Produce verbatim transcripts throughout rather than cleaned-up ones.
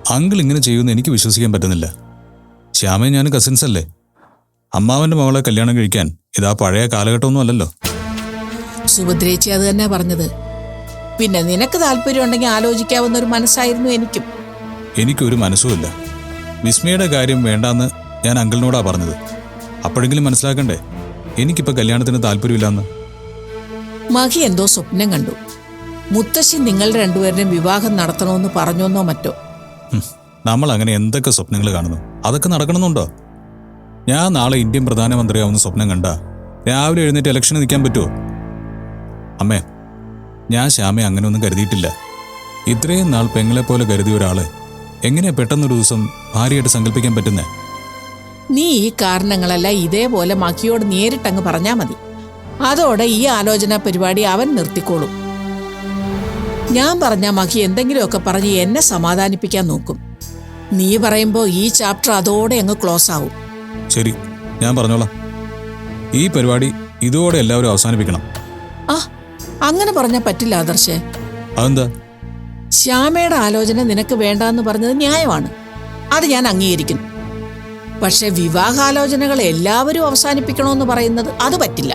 Uncle ഇങ്ങനെ ചെയ്യുമെന്ന് എനിക്ക് വിശ്വസിക്കാൻ പറ്റുന്നില്ല. ശ്യാമയും ഞാനും കസിൻസ് അല്ലേ. അമ്മാവന്റെ മകളെ കല്യാണം കഴിക്കാൻ ഇതാ പഴയ കാലഘട്ടമൊന്നും അല്ലല്ലോ. സുഭദ്രേച്ചി അത് തന്നെ പറഞ്ഞത്. പിന്നെ നിനക്ക് താല്പര്യം ഉണ്ടെങ്കിൽ ആലോചിക്കാവുന്ന ഒരു മനസ്സായിരുന്നു എനിക്കും. എനിക്കൊരു മനസ്സുമില്ല. വിസ്മയുടെ കാര്യം വേണ്ടാന്ന് ഞാൻ അങ്കിളിനോടാ പറഞ്ഞത്. അപ്പോഴെങ്കിലും മനസ്സിലാക്കണ്ടേ എനിക്കിപ്പോ കല്യാണത്തിന് താല്പര്യമില്ലാന്ന്. മഹി എന്തോ സ്വപ്നം കണ്ടു. മുത്തശ്ശി നിങ്ങൾ രണ്ടുപേരുടെയും വിവാഹം നടത്തണമെന്ന് പറഞ്ഞോന്നോ മറ്റോ. നമ്മൾ അങ്ങനെ എന്തൊക്കെ സ്വപ്നങ്ങൾ കാണുന്നു, അതൊക്കെ നടക്കണമെന്നുണ്ടോ? ഞാൻ നാളെ ഇന്ത്യൻ പ്രധാനമന്ത്രിയാവുന്ന സ്വപ്നം കണ്ട രാവിലെ എഴുന്നേറ്റ് ഇലക്ഷന് നിൽക്കാൻ പറ്റുമോ? അമ്മേ, ഞാൻ ശ്യാമയെ അങ്ങനെയൊന്നും കരുതിയിട്ടില്ല. ഇത്രയും നാൾ പെങ്ങളെപ്പോലെ കരുതിയ ഒരാളെ എങ്ങനെയാ പെട്ടെന്നൊരു ദിവസം ഭാര്യയായിട്ട് സങ്കല്പിക്കാൻ പറ്റുന്നേ? നീ ഈ കാരണങ്ങളെല്ലാം ഇതേപോലെ മഹിയോട് നേരിട്ടങ്ങ് പറഞ്ഞാ മതി. അതോടെ ഈ ആലോചന പരിപാടി അവൻ നിർത്തിക്കോളും. ഞാൻ പറഞ്ഞ മഹി എന്തെങ്കിലുമൊക്കെ പറഞ്ഞ് എന്നെ സമാധാനിപ്പിക്കാൻ നോക്കും. നീ പറയുമ്പോ ഈ ചാപ്റ്റർ അതോടെ അങ്ങ് ക്ലോസ് ആവും. ശരി, ഞാൻ പറഞ്ഞോളാം. ഈ പരിപാടി ഇതോടെ എല്ലാവരും അവസാനിപ്പിക്കണം. ആ, അങ്ങനെ പറഞ്ഞാൽ പറ്റില്ല ആദർശേ. അതെന്താ? ശ്യാമയുടെ ആലോചന നിനക്ക് വേണ്ടാന്ന് പറഞ്ഞത് ന്യായമാണ്, അത് ഞാൻ അംഗീകരിക്കുന്നു. പക്ഷെ വിവാഹാലോചനകൾ എല്ലാവരും അവസാനിപ്പിക്കണമെന്ന് പറയുന്നത് അത് പറ്റില്ല.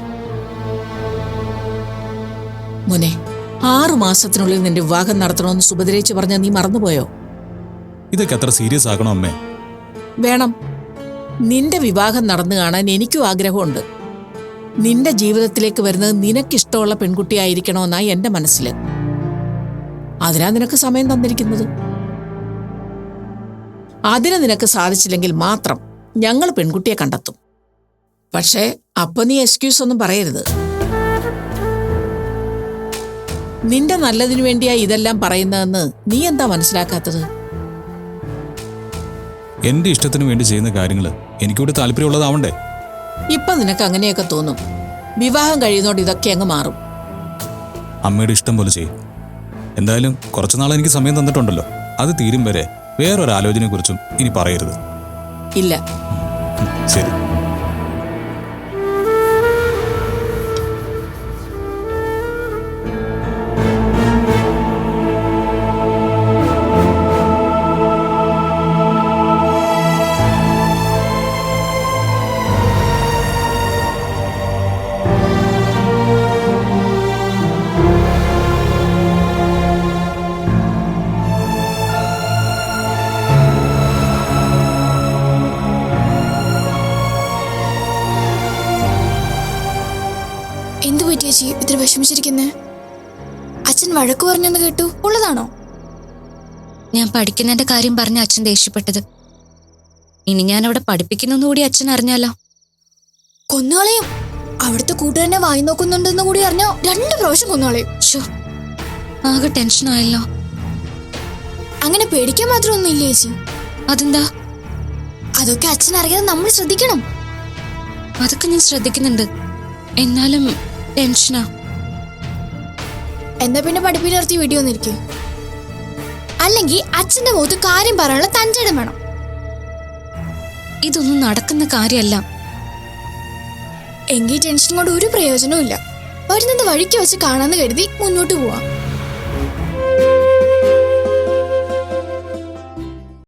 മോനെ, ആറു മാസത്തിനുള്ളിൽ നിന്റെ വിവാഹം നടത്തണമെന്ന് സുഭദ്രേച്ചി പറഞ്ഞ നീ മറന്നുപോയോ? ഇതൊക്കെ അത്ര സീരിയസ് ആക്കണോ അമ്മേ? വേണം. നിന്റെ വിവാഹം നടന്നു കാണാൻ എനിക്കും ആഗ്രഹമുണ്ട്. നിന്റെ ജീവിതത്തിലേക്ക് വരുന്നത് നിനക്കിഷ്ടമുള്ള പെൺകുട്ടിയായിരിക്കണമെന്നാ എന്റെ മനസ്സില്. അതിനാ നിനക്ക് സമയം തന്നിരിക്കുന്നത്. അതിന് നിനക്ക് സാധിച്ചില്ലെങ്കിൽ മാത്രം ഞങ്ങൾ പെൺകുട്ടിയെ കണ്ടെത്തും. പക്ഷേ അപ്പൊ നീ എക്സ്ക്യൂസ് ഒന്നും പറയരുത്. നിന്റെ നല്ലതിനു വേണ്ടിയാ ഇതെല്ലാം പറയുന്നതെന്ന് നീ എന്താ മനസ്സിലാക്കാത്തത്? എന്റെ ഇഷ്ടത്തിന് വേണ്ടി ചെയ്യുന്ന കാര്യങ്ങൾ എനിക്കൂടെ താല്പര്യമുള്ളതാവണ്ടേ? ഇപ്പൊ നിനക്ക് അങ്ങനെയൊക്കെ തോന്നും. വിവാഹം കഴിയുന്നോണ്ട് ഇതൊക്കെ അങ്ങ് മാറും. അമ്മയുടെ ഇഷ്ടം പോലെ ചെയ്യും. എന്തായാലും കുറച്ചുനാൾ എനിക്ക് സമയം തന്നിട്ടുണ്ടല്ലോ, അത് തീരും വരെ വേറൊരാലോചനയെ കുറിച്ചും ഇനി പറയരുത്. ഇല്ല. ശരി. ഇത്ര വിഷമിച്ചിരിക്കുന്നേ? അച്ഛൻ വഴക്കു പറഞ്ഞെന്ന് കേട്ടു, ഉള്ളതാണോ? ഞാൻ പഠിക്കുന്നതിന്റെ കാര്യം പറഞ്ഞ അച്ഛൻ ദേഷ്യപ്പെട്ടത്. ഇനി ഞാൻ അവിടെ പഠിപ്പിക്കുന്നു കൂടി അച്ഛൻ അറിഞ്ഞാലോ? കൊന്നുകളയും. അവിടുത്തെ കൂട്ടുകാരനെ വായി നോക്കുന്നുണ്ടെന്ന് കൂടി അറിഞ്ഞോ രണ്ടു പ്രാവശ്യം കൊന്നുകളയും. ആകെ ടെൻഷനായല്ലോ. അങ്ങനെ പേടിക്കാൻ മാത്രമൊന്നും ഇല്ലേ ചേച്ചി? അതെന്താ? അതൊക്കെ അച്ഛൻ അറിയാതെ നമ്മൾ ശ്രദ്ധിക്കണം. അതൊക്കെ ഞാൻ ശ്രദ്ധിക്കുന്നുണ്ട്, എന്നാലും ടെൻഷനാ. എന്നാ പിന്നെ പഠിപ്പിൽ നിർത്തി വീഡിയോ ഒന്നിരിക്കും. അല്ലെങ്കിൽ അച്ഛന്റെ മുഖത്ത് കാര്യം പറയാനുള്ള തഞ്ചടം വേണം. ഇതൊന്നും നടക്കുന്ന കാര്യമല്ല. എങ്കിൽ ടെൻഷൻ കൊണ്ട് ഒരു പ്രയോജനവും ഇല്ല. വരുന്നത് വഴിക്ക് വെച്ച് കാണാന്ന് കരുതി മുന്നോട്ട് പോവാം.